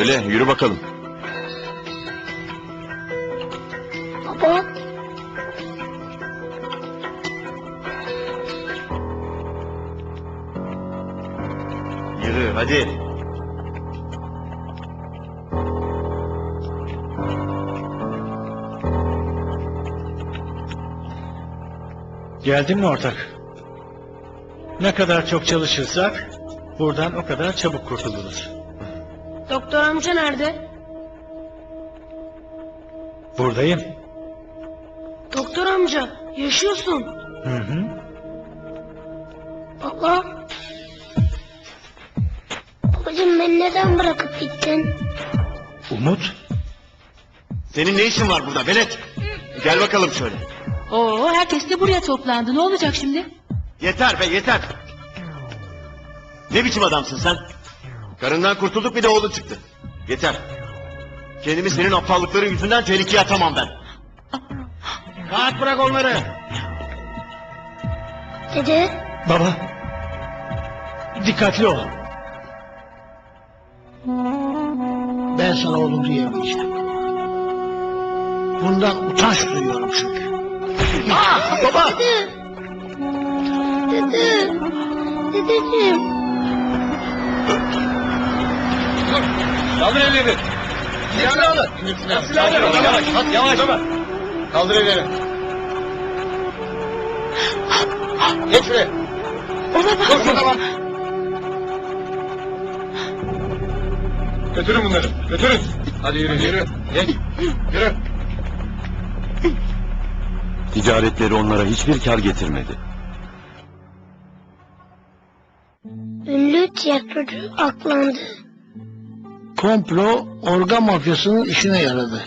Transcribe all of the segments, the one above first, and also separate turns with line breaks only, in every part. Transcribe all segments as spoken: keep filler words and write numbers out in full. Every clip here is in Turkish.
Öyle, yürü bakalım.
Baba.
Yürü, hadi.
Geldin mi ortak? Ne kadar çok çalışırsak buradan o kadar çabuk kurtuluruz.
Doktor amca nerede?
Buradayım.
Doktor amca yaşıyorsun.
Hı hı.
Baba. Babacığım beni neden bırakıp gittin?
Umut,
Senin ne işin var burada velet? Gel bakalım şöyle.
Oo, herkes de buraya toplandı. Ne olacak şimdi?
Yeter be yeter. Ne biçim adamsın sen? Karından kurtulduk bir de oğlun çıktı. Yeter. Kendimi senin aptallıkların yüzünden tehlikeye atamam ben. Rahat bırak onları.
Dede.
baba. Dikkatli ol.
Ben sana oğlum diyemeyeceğim. Bundan utanç duyuyorum çünkü.
Aa, baba.
Dede. Dede. Dedeciğim.
Kaldır ellerini. Silahını alın. Silahını alın. Yavaş, hadi yavaş. Kaldır ellerini. Geç şuraya. Dur, dur, tamam. Götürün bunları, götürün. Hadi yürü, yürü. Geç, yürü. Ticaretleri onlara hiçbir kar getirmedi.
Ünlü tiyatrocu aklandı.
Komplo organ mafyasının işine yaradı.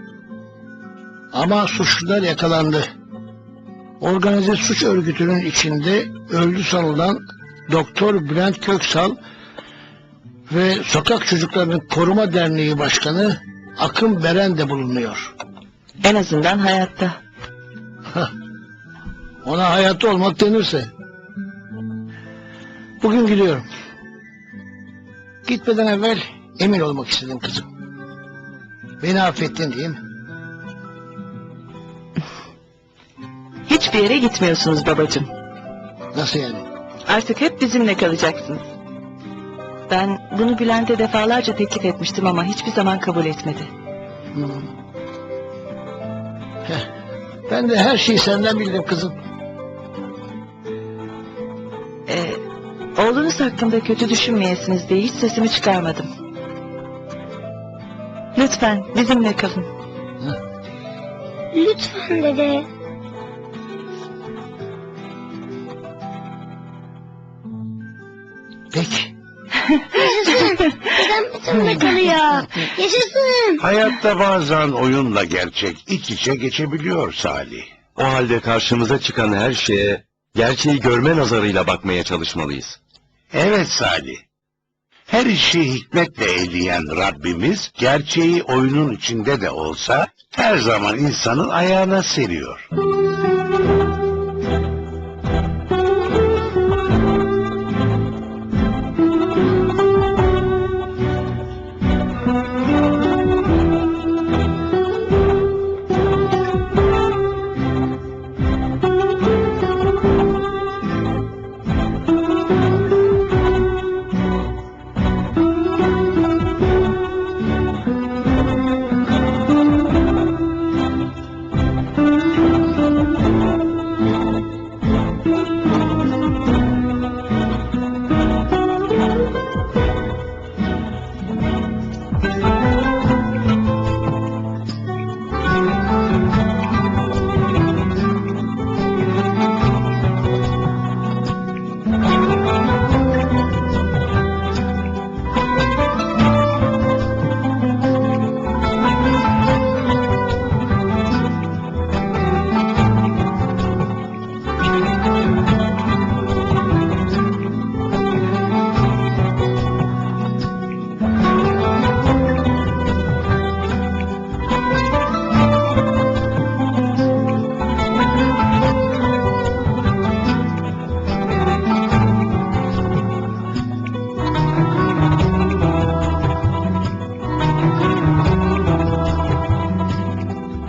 Ama suçlular yakalandı. Organize suç örgütünün içinde öldü sanılan Doktor Bülent Köksal ve Sokak Çocuklarının Koruma Derneği Başkanı Akın Beren de bulunuyor.
En azından hayatta.
Hah, ona hayatta olmak denirse. Bugün gidiyorum. Gitmeden evvel emin olmak istedim kızım. Beni affettin değil mi?
Hiçbir yere gitmiyorsunuz babacığım.
Nasıl yani?
Artık hep bizimle kalacaksınız. Ben bunu Bülent'e defalarca teklif etmiştim ama hiçbir zaman kabul etmedi.
Hmm. Heh, ben de her şeyi senden bildim kızım.
Ee, oğlunuz hakkında kötü düşünmeyesiniz diye hiç sesimi çıkarmadım. Lütfen bizimle kalın.
Lütfen dede.
Peki.
Yaşasın. Dedem bizimle kalıyor. Yaşasın.
Hayatta bazen oyunla gerçek iç içe geçebiliyor Salih.
O halde karşımıza çıkan her şeye gerçeği görme nazarıyla bakmaya çalışmalıyız.
Evet Salih. Her işi hikmetle eyleyen Rabbimiz gerçeği oyunun içinde de olsa her zaman insanın ayağına seriyor.